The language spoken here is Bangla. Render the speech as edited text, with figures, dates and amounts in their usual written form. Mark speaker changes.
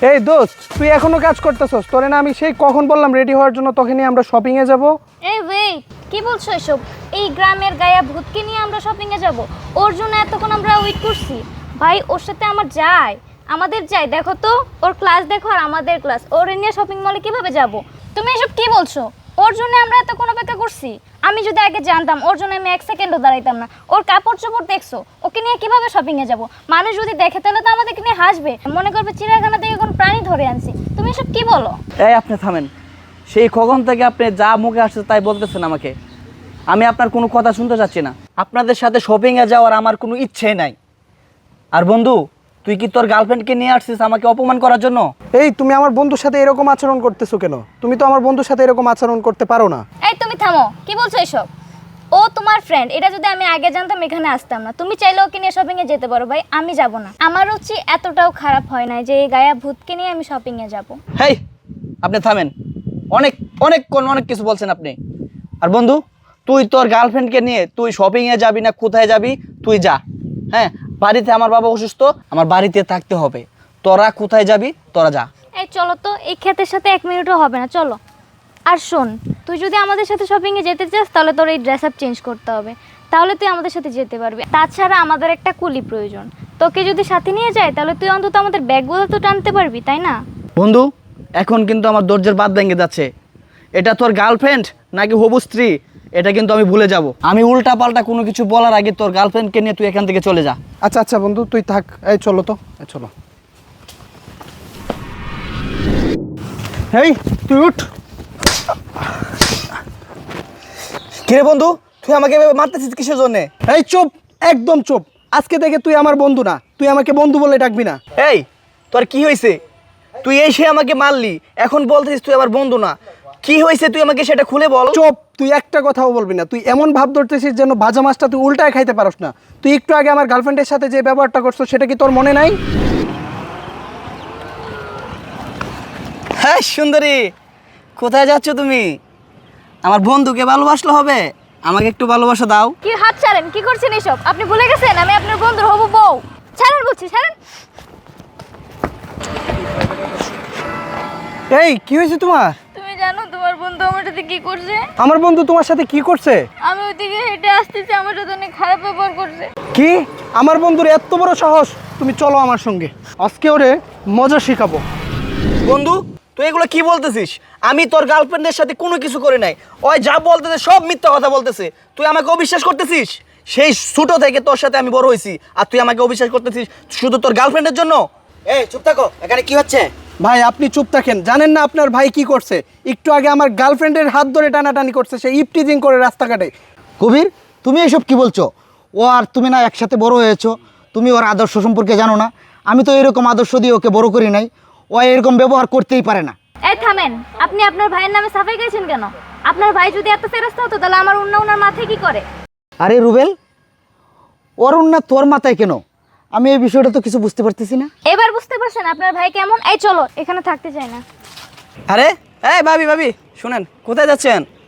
Speaker 1: এই দোস্ত, তুই এখনো কাজ করতেছস? তোরে না আমি সেই কখন বললাম রেডি হওয়ার জন্য, তখনই আমরা শপিং এ যাব।
Speaker 2: এই ওয়েট, কি বলছো এসব? এই গ্রামের গায়া ভূতকে নিয়ে আমরা শপিং এ যাব? ওর জন্য এতক্ষণ আমরা ওয়েট করছি। ভাই ওর সাথে আমাদের যাই, দেখো তো ওর ক্লাস দেখো আর আমাদের ক্লাস, ওর নিয়ে শপিং মলে কিভাবে যাব? তুমি এসব কি বলছো? ওর জন্য আমরা এতক্ষণ অপেক্ষা করছি। আমি যদি আগে জানতাম ওর জন্য আমি 1 সেকেন্ডও দাঁড়াইতাম না। ওর কাপড় চোপড় দেখছো, ওকে নিয়ে কিভাবে শপিং এ যাব? মানুষ যদি দেখে তাহলে তো আমাদেরকে নিয়ে হাসবে, মনে করবে চিড়িয়াখানা থেকে কোন প্রাণী ধরে আনছি। তুমি এসব কি বলো?
Speaker 3: এই আপনি থামেন। সেই কখন থেকে আপনি যা মুখে আসছে তাই বলতেছেন আমাকে। আমি আপনার কোনো কথা শুনতে চাচ্ছি না। আপনাদের সাথে শপিংয়ে যাওয়ার আমার কোনো ইচ্ছে নাই। আর বন্ধু, তুই কি তোর গার্লফ্রেন্ডকে নিয়ে আসছিস আমাকে অপমান করার জন্য?
Speaker 1: এই তুমি আমার বন্ধুর সাথে এরকম আচরণ করতেছো কেন? তুমি তো আমার বন্ধুর সাথে এরকম আচরণ করতে পারো না।
Speaker 2: এই তুমি থামো, কি বলছো এসব? ও তোমার ফ্রেন্ড, এটা যদি আমি আগে জানতাম এখানে আসতাম না। তুমি চাইলে ওকে নিয়ে শপিং এ যেতে পারো ভাই, আমি যাব না। আমার রুচি এতটাও খারাপ হয় না যে এই গায়া ভূতকে নিয়ে আমি শপিং এ যাব।
Speaker 3: হেই, আপনি থামেন। অনেক কিছু বলছেন আপনি। আর বন্ধু, তুই তোর গার্লফ্রেন্ডকে নিয়ে তুই শপিংয়ে যাবি না কোথায় যাবি? তুই যা। হ্যাঁ, বাড়িতে আমার বাবা অসুস্থ, আমার বাড়িতে থাকতে হবে। তোরা কোথায় যাবি? তোরা যা।
Speaker 2: এই চলো তো, এই ক্ষেতের সাথে 1 মিনিটও হবে না, চলো। আর শোন, তুই যদি আমাদের সাথে শপিং এ যেতে চাস তাহলে তোর এই ড্রেস আপ চেঞ্জ করতে হবে, তাহলে তুই আমাদের সাথে যেতে পারবি। তাছাড়া আমাদের একটা কুলি প্রয়োজন। তোকে যদি সাথে নিয়ে যায় তাহলে তুই অন্তত আমাদের ব্যাগগুলো তো টানতে পারবি, তাই না?
Speaker 3: বন্ধু, এখন কিন্তু আমার ধৈর্যের বাঁধ ভেঙে যাচ্ছে। এটা তোর গার্লফ্রেন্ড নাকি হবু স্ত্রী এটা কিন্তু আমি ভুলে যাব। আমি উল্টা পাল্টা কোনো কিছু বলার আগে তোর গার্লফ্রেন্ডকে নিয়ে তুই এখান থেকে চলে যা।
Speaker 1: আচ্ছা আচ্ছা বন্ধু, তুই থাক। এই চলো তো, চলো। এই তুই উঠ।
Speaker 3: কিরে বন্ধু, তুই আমাকে এভাবে মারতেছিস কিসের জন্যে?
Speaker 1: এই চুপ, একদম চুপ। আজকে থেকে তুই আমার বন্ধু না, তুই আমাকে বন্ধু বলে ডাকবি না।
Speaker 3: এই, তোর কি হয়েছে? তুই এসে আমাকে মারলি, এখন বলতেছিস তুই আমার বন্ধু না। কি হয়েছে তুই আমাকে সেটা খুলে বল।
Speaker 1: চুপ, তুই একটা কথাও বলবি না। তুই এমন ভাব ধরতেছিস যেন ভাজা মাছটা তুই উল্টায় খাইতে পারস না। তুই একটু আগে আমার গার্লফ্রেন্ডের সাথে যে ব্যবহারটা করছো সেটা কি তোর মনে নাই?
Speaker 3: হ্যাঁ সুন্দরী, কোথায় যাচ্ছ তুমি? আমার বন্ধুকে ভালোবাসলে হবে? আমাকে একটু ভালোবাসা দাও।
Speaker 2: কি হাত ছাড়েন, কি করছেন এসব? আপনি ভুলে গেছেন আমি আপনার বন্ধুর হবু বউ। ছাড়েন বলছি, ছাড়েন।
Speaker 1: এই কি হয়েছে তোমার?
Speaker 2: তুমি জানো তোমার বন্ধু আমার সাথে কি করছে?
Speaker 1: আমার বন্ধু তোমার সাথে কি করছে?
Speaker 2: আমি ওইদিকে হেঁটে আসতেছি, আমার সাথে অনেক খারাপ ব্যবহার করছে।
Speaker 1: কি? আমার বন্ধুর এত বড় সাহস! তুমি চলো আমার সঙ্গে, আজকে ওরে মজা শেখাবো।
Speaker 3: বন্ধু, তুই এগুলো কি বলতেছিস? আমি তোর গার্লফ্রেন্ডের সাথে কোনো কিছু করে নাই। ওই যা বলতেছে সব মিথ্যা কথা বলতেছে। তুই আমাকে অবিশ্বাস করতেছিস? সেই ছোট থেকে তোর সাথে আমি বড় হয়েছি, আর তুই আমাকে অবিশ্বাস করতেছিস শুধু তোর গার্লফ্রেন্ডের জন্য?
Speaker 4: এই চুপ থাকো, এখানে কি হচ্ছে?
Speaker 1: ভাই আপনি চুপ থাকেন। জানেন না আপনার ভাই কি করছে? একটু আগে আমার গার্লফ্রেন্ডের হাত ধরে টানাটানি করছে, সে ইপটিজিং করে রাস্তাঘাটে।
Speaker 4: কবির, তুমি এসব কি বলছো? ও আর তুমি না একসাথে বড় হয়েছো, তুমি ওর আদর্শ সম্পর্কে জানো না? আমি তো এরকম আদর্শ দিয়ে ওকে বড় করি নাই। ও এরকম ব্যবহার করতেই পারে না।
Speaker 2: এই থামেন, আপনি আপনার ভাইয়ের নামে সাফাই গাইছেন কেন? আপনার ভাই যদি এত ফেরস্তা হতো তাহলে আমার ওনার মাথায় কি করে?
Speaker 4: আরে রুবেল, ওর না তোর মাথায় কেন? আমি এই বিষয়টা তো কিছু বুঝতে পারতেছি না।
Speaker 2: এবার বুঝতে পারছেন আপনার ভাই কেমন? এই চলো, এখানে থাকতে চাই না।
Speaker 3: আরে এই ভাবি, শুনেন, কোথায় যাচ্ছেন?